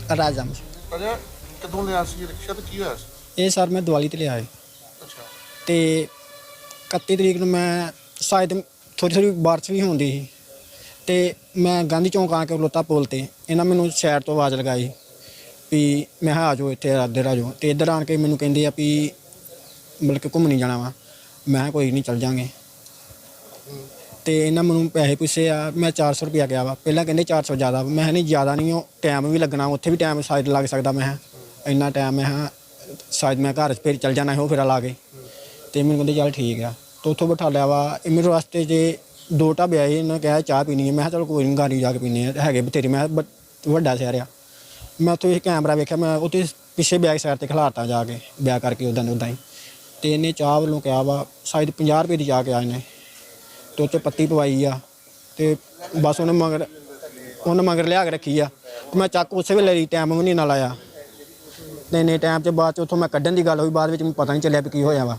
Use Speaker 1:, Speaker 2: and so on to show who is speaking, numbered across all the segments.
Speaker 1: ਰਾਜਮ
Speaker 2: ਅਜਾ ਕਦੋਂ ਲਿਆ ਸੀ ਰਿਕਸ਼ਾ ਤੇ ਕੀ ਹੋਇਆ ਸੀ?
Speaker 1: ਇਹ ਸਰ ਮੈਂ ਦੀਵਾਲੀ ਤੇ ਲਿਆ ਹੈ
Speaker 2: ਅੱਛਾ
Speaker 1: ਤੇ 31 ਤਰੀਕ ਨੂੰ ਮੈਂ ਸ਼ਾਇਦ ਥੋੜੀ ਬਾਰਿਸ਼ ਵੀ ਹੁੰਦੀ ਸੀ ਤੇ ਮੈਂ ਗਾਂਧੀ ਚੌਂਕ ਆ ਕੇ ਖਲੋਤਾ ਪੁਲ ਤੇ ਇਹਨਾਂ ਮੈਨੂੰ ਸਾਈਡ ਤੋਂ ਆਵਾਜ਼ ਲਗਾਈ ਵੀ ਮੈਂ ਕਿਹਾ ਆ ਜਾਓ ਇੱਥੇ ਇੱਧਰ ਆ ਜਾਓ ਤੇ ਇੱਧਰ ਆਣ ਕੇ ਮੈਨੂੰ ਕਹਿੰਦੇ ਆ ਵੀ ਮਤਲਬ ਕਿ ਘੁੰਮਣੀ ਜਾਣਾ ਵਾ। ਮੈਂ ਕਿਹਾ ਕੋਈ ਨਹੀਂ ਚੱਲ ਜਾਂਗੇ ਤੇ ਇਹਨਾਂ ਮੈਨੂੰ ਪੈਸੇ ਪੁੱਛੇ ਆ। ਮੈਂ 400 ਰੁਪਇਆ ਗਿਆ ਵਾ। ਪਹਿਲਾਂ ਕਹਿੰਦੇ 400 ਜ਼ਿਆਦਾ। ਮੈਂ ਕਿਹਾ ਨਹੀਂ ਜ਼ਿਆਦਾ ਨਹੀਂ, ਉਹ ਟਾਈਮ ਵੀ ਲੱਗਣਾ, ਉੱਥੇ ਵੀ ਟਾਈਮ ਸ਼ਾਇਦ ਲੱਗ ਸਕਦਾ। ਮੈਂ ਕਿਹਾ ਇੰਨਾ ਟਾਈਮ ਮੈਂ ਕਿਹਾ ਸ਼ਾਇਦ ਮੈਂ ਘਰ ਫਿਰ ਚੱਲ ਜਾਣਾ ਉਹ ਫੇਰਾ ਲਾ ਕੇ ਤੇ ਮੈਨੂੰ ਕਹਿੰਦੇ ਚੱਲ ਠੀਕ ਆ। ਤੇ ਉੱਥੋਂ ਬਿਠਾ ਲਿਆ ਵਾ। ਮੇਰੇ ਰਸਤੇ 'ਚ 2 ਢਾਬੇ ਆਏ, ਇਹਨਾਂ ਨੇ ਕਿਹਾ ਚਾਹ ਪੀਣੀ ਹੈ। ਮੈਂ ਕਿਹਾ ਚਲੋ ਕੋਈ ਨਹੀਂ ਗਾੜੀ ਜਾ ਕੇ ਪੀਂਦੇ ਆ, ਹੈਗੇ ਬਥੇਰੇ। ਮੈਂ ਵੱਡਾ ਸ਼ਹਿਰ ਆ। ਮੈਂ ਉੱਥੇ ਕੈਮਰਾ ਵੇਖਿਆ, ਮੈਂ ਉੱਥੇ ਪਿੱਛੇ ਬੈਕ ਸਾਈਡ 'ਤੇ ਖਿਲਾਰਤਾ ਜਾ ਕੇ ਬੈਕ ਕਰਕੇ ਉੱਦਾਂ ਹੀ। ਤੇ ਇਹਨੇ ਚਾਹ ਵੱਲੋਂ ਕਿਹਾ ਵਾ ਸ਼ਾਇਦ 50 ਰੁਪਏ ਦੀ ਚਾਹ ਕਿਹਾ ਇਹਨੇ ਤੇ ਉੱਤੇ ਪੱਤੀ ਪਵਾਈ ਆ ਤੇ ਬਸ ਉਹਨੇ ਮਗਰ ਲਿਆ ਕੇ ਰੱਖੀ ਆ। ਤੇ ਮੈਂ ਚੱਕ ਉਸੇ ਵੇਲੇ ਲਈ, ਟਾਈਮ ਵੀ ਨਹੀਂ ਨਾਲ ਆਇਆ ਤੇ ਇੰਨੇ ਟਾਈਮ 'ਚ ਬਾਅਦ 'ਚ ਉੱਥੋਂ ਮੈਂ ਕੱਢਣ ਦੀ ਗੱਲ ਹੋਈ। ਬਾਅਦ ਵਿੱਚ ਮੈਨੂੰ ਪਤਾ ਨਹੀਂ ਚੱਲਿਆ ਵੀ ਕੀ ਹੋਇਆ ਵਾ।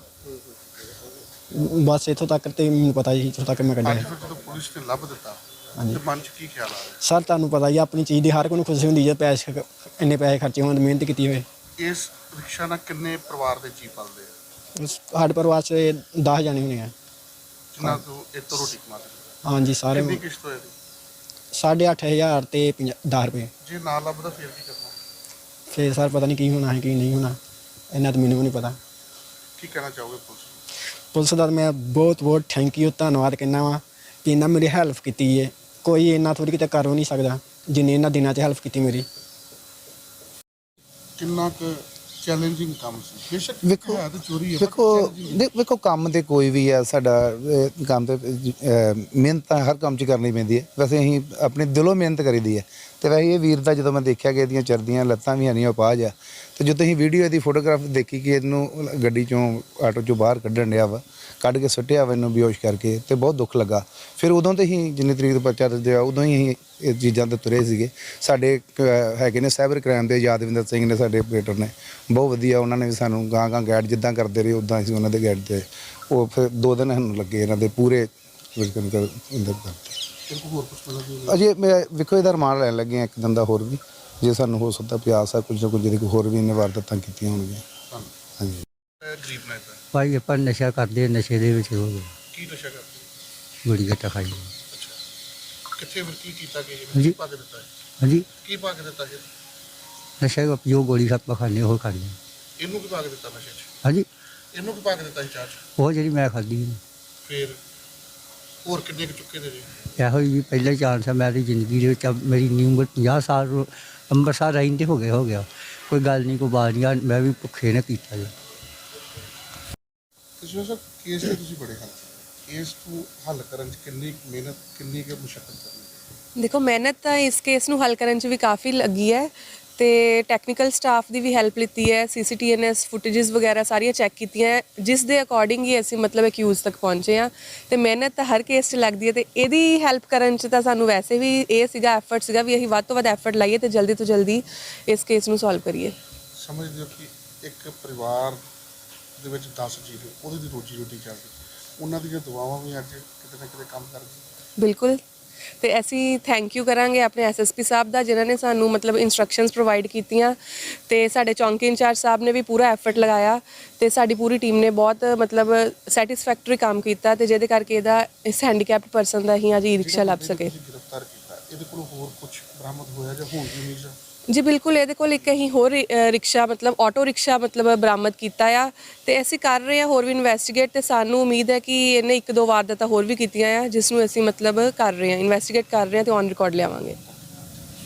Speaker 1: ਬਸ ਇੱਥੋਂ ਤੱਕ ਤੇ ਮੈਨੂੰ ਪਤਾ ਜੀ, ਇੱਥੋਂ ਤੱਕ ਮੈਂ ਕੱਢਿਆ।
Speaker 2: ਜਦੋਂ ਪੁਲਿਸ ਨੇ ਲੱਭ ਦਿੱਤਾ ਤੇ ਮਨ 'ਚ ਕੀ ਖਿਆਲ ਆ ਰਿਹਾ?
Speaker 1: ਸਰ ਤੁਹਾਨੂੰ ਪਤਾ ਹੀ ਆਪਣੀ ਚੀਜ਼ ਦੀ ਹਰ ਕੋਈ ਨੂੰ ਖੁਸ਼ੀ ਹੁੰਦੀ ਜੇ ਪੈਸੇ ਇੰਨੇ ਪੈਸੇ ਖਰਚੇ ਹੋਣ, ਮਿਹਨਤ ਕੀਤੀ ਹੋਏ।
Speaker 2: ਇਸ ਰਿਕਸ਼ਾ ਨਾਲ ਕਿੰਨੇ ਪਰਿਵਾਰ ਦੇ ਜੀ ਪਲਦੇ ਆ?
Speaker 1: ਸਾਡੇ ਪਰਿਵਾਰ 'ਚ 10 ਜਾਣੇ ਹੋਣੇ ਆ
Speaker 2: ਜਿਨ੍ਹਾਂ ਤੋਂ ਇਹ ਤੋਂ ਰੋਟੀ ਕਮਾਉਂਦੇ?
Speaker 1: ਹਾਂਜੀ ਸਾਰੇ।
Speaker 2: ਕਿੰਨੀ ਕਿਸ਼ਤ ਹੋਏਗੀ?
Speaker 1: 8,500 ਤੇ 10 ਰੁਪਏ।
Speaker 2: ਜੇ ਨਾ ਲੱਭਦਾ ਫਿਰ ਕੀ ਕਰਨਾ?
Speaker 1: ਫਿਰ ਸਰ ਪਤਾ ਨਹੀਂ ਕੀ ਹੋਣਾ ਹੈ ਕੀ ਨਹੀਂ ਹੋਣਾ, ਇੰਨਾ ਤਾਂ ਮੈਨੂੰ ਵੀ ਨਹੀਂ ਪਤਾ।
Speaker 2: ਕੀ ਕਹਿਣਾ ਚਾਹੋਗੇ ਪੁਲਿਸ ਨੂੰ?
Speaker 1: ਪੁਲਿਸ ਦਾ ਮੈਂ ਬਹੁਤ ਥੈਂਕ ਯੂ, ਧੰਨਵਾਦ ਕਹਿੰਦਾ ਵਾਂ ਕਿ ਇਹਨਾਂ ਮੇਰੀ ਹੈਲਪ ਕੀਤੀ ਹੈ। ਕੋਈ ਇੰਨਾ ਥੋੜ੍ਹੀ ਕਿਤੇ ਕਰ ਨਹੀਂ ਸਕਦਾ ਜਿੰਨੀ ਇਹਨਾਂ ਦਿਨਾਂ 'ਚ ਹੈਲਪ ਕੀਤੀ ਮੇਰੀ।
Speaker 2: ਕਿੰਨਾ ਕੁ ਚੈਲੰਜਿੰਗ ਕੰਮ ਸੀ? ਬੇਸ਼ੱਕ
Speaker 3: ਵੇਖੋ
Speaker 2: ਹੈ ਤਾਂ ਚੋਰੀ ਹੈ,
Speaker 3: ਵੇਖੋ ਕੰਮ ਤੇ ਕੋਈ ਵੀ ਆ ਸਾਡਾ, ਕੰਮ ਤੇ ਮਿਹਨਤ ਤਾਂ ਹਰ ਕੰਮ 'ਚ ਕਰਨੀ ਪੈਂਦੀ ਹੈ। ਵੈਸੇ ਅਸੀਂ ਆਪਣੇ ਦਿਲੋਂ ਮਿਹਨਤ ਕਰੀਦੀ ਹੈ। ਤੇ ਵੈਸੇ ਇਹ ਵੀਰ ਦਾ ਜਦੋਂ ਮੈਂ ਦੇਖਿਆ ਕਿ ਇਹਦੀਆਂ ਚਰਦੀਆਂ ਲੱਤਾਂ ਵੀ ਹਨੀਆਂ ਉਪਾਜ ਆ, ਤੇ ਜਦੋਂ ਅਸੀਂ ਵੀਡੀਓ ਇਹਦੀ ਫੋਟੋਗ੍ਰਾਫ ਦੇਖੀ ਕਿ ਇਹਨੂੰ ਗੱਡੀ 'ਚੋਂ ਆਟੋ 'ਚੋਂ ਬਾਹਰ ਕੱਢਣ ਡਿਆ ਵਾ, ਕੱਢ ਕੇ ਸੁੱਟਿਆ ਵਾ ਇਹਨੂੰ ਬੇਹੋਸ਼ ਕਰਕੇ, ਤੇ ਬਹੁਤ ਦੁੱਖ ਲੱਗਾ। ਫਿਰ ਉਦੋਂ ਤੇ ਹੀ ਜਿੰਨੀ ਤਰੀਕ ਦਾ ਪਰਚਾ ਦਰਜ ਹੋਇਆ ਉਦੋਂ ਹੀ ਅਸੀਂ ਇਹ ਚੀਜ਼ਾਂ ਤੇ ਤੁਰੇ ਸੀਗੇ। ਸਾਡੇ ਹੈਗੇ ਨੇ ਸਾਈਬਰ ਕ੍ਰਾਈਮ ਦੇ ਯਾਦਵਿੰਦਰ ਸਿੰਘ ਨੇ, ਸਾਡੇ ਆਪਰੇਟਰ ਨੇ, ਬਹੁਤ ਵਧੀਆ। ਉਹਨਾਂ ਨੇ ਵੀ ਸਾਨੂੰ ਗਾਂ ਗਾਈਡ ਜਿੱਦਾਂ ਕਰਦੇ ਰਹੇ ਉੱਦਾਂ ਅਸੀਂ ਉਹਨਾਂ ਦੇ ਗਾਈਡ 'ਤੇ ਉਹ ਫਿਰ 2 ਦਿਨ ਸਾਨੂੰ ਲੱਗੇ ਇਹਨਾਂ ਦੇ ਪੂਰੇ ਕਰਤੇ।
Speaker 2: ਹੋਰ ਕੁਝ ਮਿਲਦਾ?
Speaker 3: ਅਜੇ ਮੈਂ ਵੇਖੋ ਇਹਦਾ ਰਿਮਾਂਡ ਲੈਣ ਲੱਗੇ ਹਾਂ 1 ਦਿਨ ਦਾ ਹੋਰ ਵੀ, ਜੇ ਸਾਨੂੰ ਹੋ ਸਕਦਾ ਪਿਆਸ ਆ ਕੁਝ ਨਾ ਕੁਝ ਇਹਦੇ ਹੋਰ ਵੀ ਇਹਨੇ ਵਾਰਦਾਤਾਂ ਕੀਤੀਆਂ ਹੋਣਗੀਆਂ। ਹਾਂਜੀ
Speaker 2: ਗਰੀਬ ਨੇ ਤਾਂ
Speaker 4: ਭਾਈ ਆਪਾਂ ਨਸ਼ਾ ਕਰਦੇ, ਨਸ਼ੇ ਦੇ ਵਿੱਚ ਹੋ ਗਏ,
Speaker 2: ਕੀ ਨਸ਼ਾ ਕਰਦੇ?
Speaker 4: ਗੋਲੀ ਗੱਟਾ ਖਾਈ।
Speaker 2: ਅੱਛਾ, ਕਿੱਥੇ ਫਿਰ ਕੀ ਕੀਤਾ ਕਿ
Speaker 4: ਹਾਂਜੀ।
Speaker 2: ਕੀ ਪਾ ਕੇ ਦਿੱਤਾ ਹੈ?
Speaker 4: ਹਾਂਜੀ,
Speaker 2: ਕੀ ਪਾ ਕੇ ਦਿੱਤਾ ਜੀ?
Speaker 4: ਨਸ਼ਾ ਜੋ ਗੋਲੀ ਆਪਾਂ ਖਾਂਦੇ ਉਹ ਖਾਂਦੇ।
Speaker 2: ਇਹਨੂੰ ਕੀ ਪਾ ਕੇ ਦਿੱਤਾ ਨਸ਼ੇ 'ਚ?
Speaker 4: ਹਾਂਜੀ,
Speaker 2: ਇਹਨੂੰ ਕੀ ਪਾ ਕੇ ਦਿੱਤਾ ਸੀ ਚਾਹ 'ਚ?
Speaker 4: ਉਹ ਜਿਹੜੀ ਮੈਂ ਖਾਧੀ
Speaker 2: ਫਿਰ ਹੋਰ ਕਿੰਨੇ ਕੁ ਚੁੱਕੇ ਦੇ ਜੀ?
Speaker 4: ਇਹੋ ਹੀ ਪਹਿਲਾ ਚਾਂਸ ਹੈ ਮੇਰੀ ਜ਼ਿੰਦਗੀ ਦੇ ਵਿੱਚ। ਮੇਰੀ ਉਮਰ 50 ਸਾਲ ਅੰਮ੍ਰਿਤਸਰ ਰਹਿੰਦੇ ਹੋ ਗਿਆ। ਕੋਈ ਗੱਲ ਨਹੀਂ, ਕੋਈ ਬਾਤ ਨਹੀਂ, ਮੈਂ ਵੀ ਭੁੱਖੇ ਨੇ ਕੀਤਾ ਜੀ।
Speaker 2: ਤੁਸੀਂ ਸਰ ਕੇਸ ਤੇ ਤੁਸੀਂ ਬੜੇ ਹੱਲ ਕੇਸ ਨੂੰ ਹੱਲ ਕਰਨ 'ਚ ਕਿੰਨੀ ਮਿਹਨਤ, ਕਿੰਨੀ ਕੁ ਮੁਸ਼ੱਕਤ ਕਰਨੀ?
Speaker 5: ਦੇਖੋ ਮਿਹਨਤ ਤਾਂ ਇਸ ਕੇਸ ਨੂੰ ਹੱਲ ਕਰਨ 'ਚ ਵੀ ਕਾਫੀ ਲੱਗੀ ਹੈ ਤੇ ਟੈਕਨੀਕਲ ਸਟਾਫ ਦੀ ਵੀ ਹੈਲਪ ਲਿੱਤੀ ਹੈ। CCTVs ਫੁਟੇजेस ਵਗੈਰਾ ਸਾਰੀਆਂ ਚੈੱਕ ਕੀਤੀਆਂ, ਜਿਸ ਦੇ ਅਕੋਰਡਿੰਗ ਹੀ ਅਸੀਂ ਮਤਲਬ ਅਕਿਊਜ਼ ਤੱਕ ਪਹੁੰਚੇ ਹਾਂ। ਤੇ ਮਿਹਨਤ ਤਾਂ ਹਰ ਕੇਸ 'ਚ ਲੱਗਦੀ ਹੈ ਤੇ ਇਹਦੀ ਹੈਲਪ ਕਰਨ 'ਚ ਤਾਂ ਸਾਨੂੰ ਵੈਸੇ ਵੀ ਇਹ ਸੀਗਾ ਐਫਰਟ ਸੀਗਾ ਵੀ ਅਸੀਂ ਵੱਧ ਤੋਂ ਵੱਧ ਐਫਰਟ ਲਾਈਏ ਤੇ ਜਲਦੀ ਤੋਂ ਜਲਦੀ ਇਸ ਕੇਸ ਨੂੰ ਸੋਲਵ ਕਰੀਏ।
Speaker 2: ਸਮਝਦੇ ਹੋ ਕਿ ਇੱਕ ਪਰਿਵਾਰ ਦੇ ਵਿੱਚ 10 ਜੀਅ ਉਹਦੀ ਦੀ ਰੋਜੀ ਰੋਟੀ ਚੱਲਦੀ, ਉਹਨਾਂ ਦੀਆਂ ਦੁਆਵਾਂ ਵੀ ਅੱਜ ਕਿਤੇ ਨਾ ਕਿਤੇ ਕੰਮ ਕਰਦੀਆਂ।
Speaker 5: ਬਿਲਕੁਲ, ਤੇ ਅਸੀਂ ਥੈਂਕ ਯੂ ਕਰਾਂਗੇ ਆਪਣੇ SSP ਸਾਹਿਬ ਦਾ, ਜਿਨ੍ਹਾਂ ਨੇ ਸਾਨੂੰ ਮਤਲਬ ਇਨਸਟਰਕਸ਼ਨਸ ਪ੍ਰੋਵਾਈਡ ਕੀਤੀਆਂ ਤੇ ਸਾਡੇ ਚੌਂਕੀ ਇੰਚਾਰਜ ਸਾਹਿਬ ਨੇ ਵੀ ਪੂਰਾ ਐਫਰਟ ਲਗਾਇਆ ਤੇ ਸਾਡੀ ਪੂਰੀ ਟੀਮ ਨੇ ਬਹੁਤ ਮਤਲਬ ਸੈਟੀਸਫੈਕਟਰੀ ਕੰਮ ਕੀਤਾ ਤੇ ਜਿਹਦੇ ਕਰਕੇ ਇਹਦਾ ਇਸ ਹੈਂਡੀਕੈਪਡ ਪਰਸਨ ਦਾ ਹੀ ਅੱਜ ਈ-ਰਿਕਸ਼ਾ ਲੱਭ ਸਕੇ।
Speaker 2: ਗ੍ਰਿਫਤਾਰ ਕੀਤਾ, ਇਹਦੇ ਕੋਲ ਹੋਰ ਕੁਝ ਬਰਾਮਦ ਹੋਇਆ ਜਾਂ ਹੋਣ ਦੀ ਉਮੀਦ ਹੈ?
Speaker 5: ਜੀ ਬਿਲਕੁਲ, ਇਹਦੇ ਕੋਲ ਇੱਕ ਅਸੀਂ ਹੋਰ ਰਿਕਸ਼ਾ ਮਤਲਬ ਆਟੋ ਰਿਕਸ਼ਾ ਮਤਲਬ ਬਰਾਮਦ ਕੀਤਾ ਆ ਤੇ ਅਸੀਂ ਕਰ ਰਹੇ ਹਾਂ ਹੋਰ ਵੀ ਇਨਵੈਸਟੀਗੇਟ ਤੇ ਸਾਨੂੰ ਉਮੀਦ ਹੈ ਕਿ ਇਹਨੇ 1-2 ਵਾਰਦਾਤਾਂ ਹੋਰ ਵੀ ਕੀਤੀਆਂ ਆ, ਜਿਸ ਨੂੰ ਅਸੀਂ ਮਤਲਬ ਕਰ ਰਹੇ ਹਾਂ, ਇਨਵੈਸਟੀਗੇਟ ਕਰ ਰਹੇ ਹਾਂ ਤੇ ਔਨ ਰਿਕਾਰਡ ਲਿਆਵਾਂਗੇ।